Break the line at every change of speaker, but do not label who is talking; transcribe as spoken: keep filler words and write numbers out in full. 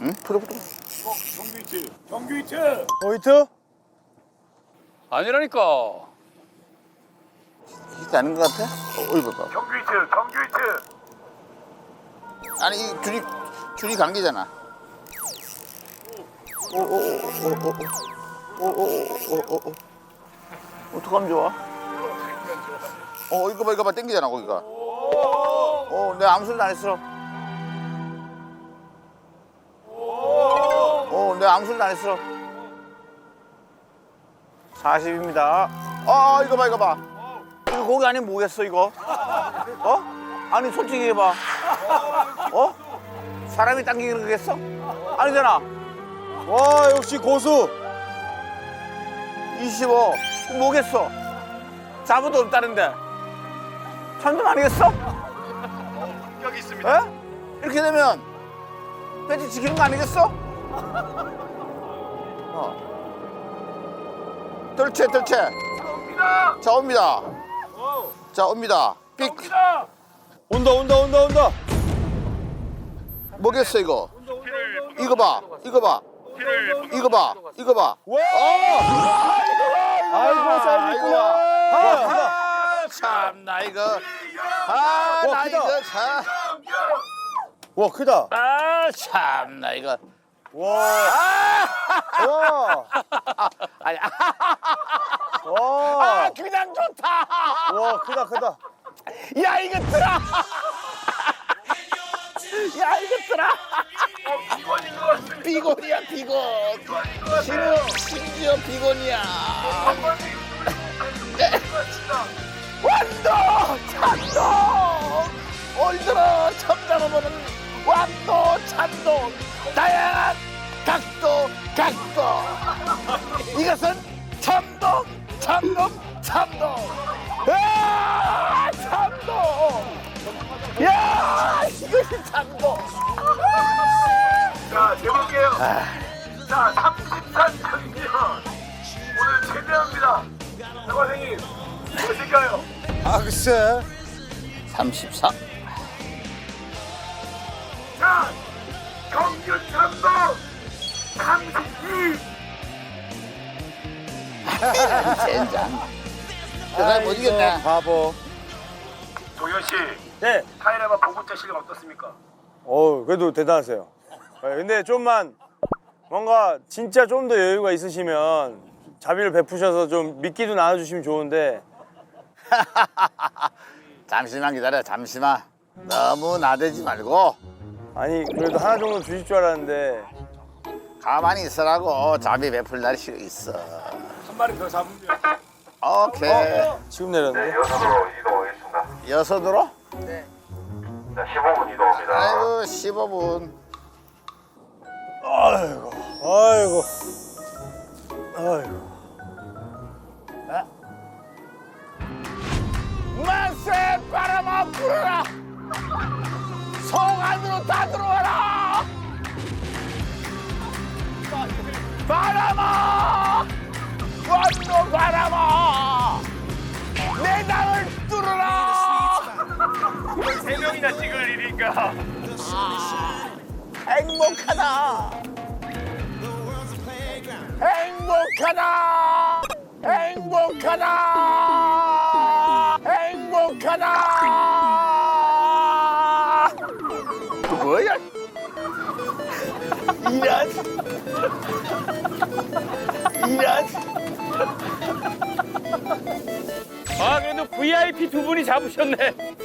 응? 풀어 풀어.
정규 히트. 정규 히트.
포인트?
아니라니까.
히트 아닌 것 같아? 어, 어이 봐봐.
정규 히트. 정규 히트.
아니 이 줄이 줄이 감기잖아. 오오오오오오오오오오. 어떡하면 좋아? 어 이거 봐 이거 봐 땡기잖아 거기가. 어 내가 아무 소리도 안 했어. 어 내가 아무 소리도 안 했어. 사십입니다. 아 이거 봐 이거 봐. 이거 고기 아니면 뭐겠어 이거? 어? 아니 솔직히 해봐. 어? 사람이 당기는 거겠어? 아니잖아.
와 역시 고수.
이십오. 뭐겠어? 자부도 없다는데. 천점 아니겠어?
여기 있습니다.
에? 이렇게 되면 배지 지키는 거 아니겠어? 어. 뜰채 뜰채.
옵니다.
자 옵니다. 자 옵니다. 삑.
옵니다.
온다 온다 온다 온다.
뭐겠어 이거? 이거 봐. 이거 봐. 이거 봐. 이거 봐.
와.
어!
아이고 사이즈구나.
아, 참나 이거. 아,
와,
나
크다.
이거 참.
와 크다.
아, 참나 이거.
와.
아!
와.
아니, 아,
와.
그냥 좋다.
와 크다 크다.
야, 이거 들아. 야, 이거 들아.
어, 비건인 것 같습니다.
비건이야, 비건. 심지어, 심지어 비건이야. 완도 찬동. 올들어 처음 잡아보는 완도 찬동. 다양한 각도, 각도. 이것은 참동, 참동, 참동. 아, 참동. 야, 이것이 참동.
자, 제목이에요. 자, 삼십삼 장면. 오늘 최대합니다. 사과생님, 무엇일까요?
아 글쎄.
삼십사.
자, 정규 참동 삼십이.
젠장. 내가 못 이겼네.
바보.
도현 씨,
네.
타이레바 보고자 실력 어떻습니까?
어 그래도 대단하세요. 네, 근데 좀만 뭔가 진짜 좀 더 여유가 있으시면 자비를 베푸셔서 좀 미끼도 나눠주시면 좋은데.
잠시만 기다려, 잠시만. 너무 나대지 말고
아니 그래도 하나 정도 주실 줄 알았는데.
가만히 있으라고. 자비 베풀 날이 있어.
한 마리 더 잡으면 돼요.
오케이.
지금 내렸는데.
여섯으로 이동하겠습니다.
여섯으로?
자, 십오 분 이동합니다.
아이고, 십오 분.
아이고 아이고 아이고.
만세 바람아 불어라. 성 안으로 다 들어와라. 바람아, 완도 바람아, 내 땅을 뚫어라.
세 명이나 찍을 일이니까.
행복하다. 행복하다. 행복하다. 행복하다. 그 뭐야? 이런. 이런.
아 그래도 브이아이피 두 분이 잡으셨네.